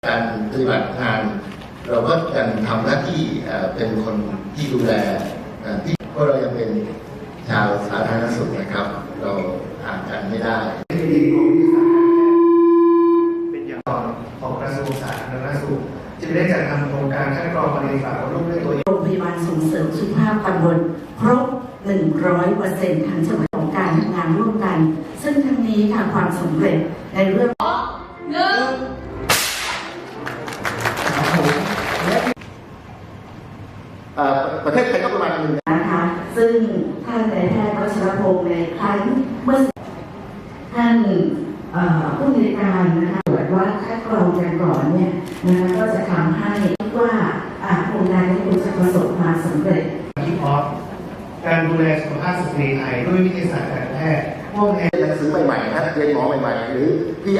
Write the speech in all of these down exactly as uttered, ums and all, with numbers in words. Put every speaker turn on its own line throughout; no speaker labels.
การปฏิบัติงานเราก็ยังทำหน้าที่เป็นคนที่ดูแลที่เพราะเรายังเป็นชาวสาธารณสุขนะครับเราห่างกันไม่ได้
ที่ดีของวิทยาศาสตร์เป็นอย่างต่อของกระทรวงสาธารณสุขจึงได้จัดทำโครงการคัดกรองมะเร็งปากมดลูกด้วยตัวเอง
โรงพยาบาลส่งเสริมสุขภาพตำบลครบ หนึ่งร้อยเปอร์เซ็นต์ ทั้งจังหวัดของการทำงานร่วมกันซึ่งทั้งนี้ค่ะความสำเร็จในเรื่องหนึ่ง
ประเทศไทยก็ประมาณหนึ่ง
นะคะซึ่งท่านนายแพทย์วัชรพงศ์ในครั้งเมื่อท่านผู้อำนวยการนะคะตรวจว่าคัดกรองกันก่อนเนี่ยนะคะก็จะทำให้ว่าโครงการนี้จะประสบความสำเร็จ
ที่พร้อมการดูแลสุขภาพสตรีไทยด้วยวิทยาศาสตร์การแพทย์พวกนี้
หนังสือใหม่ๆนะเรียนหมอใหม่ๆหรือพี่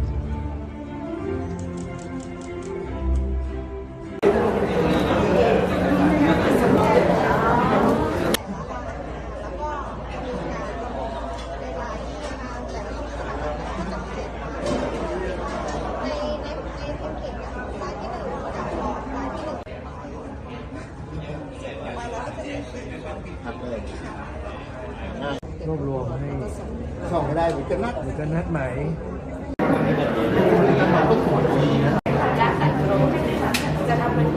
รวบรวมให้
ส่องไม่ได้หรือจะนัด
หรือจะนัดไหม
จะทำเป็น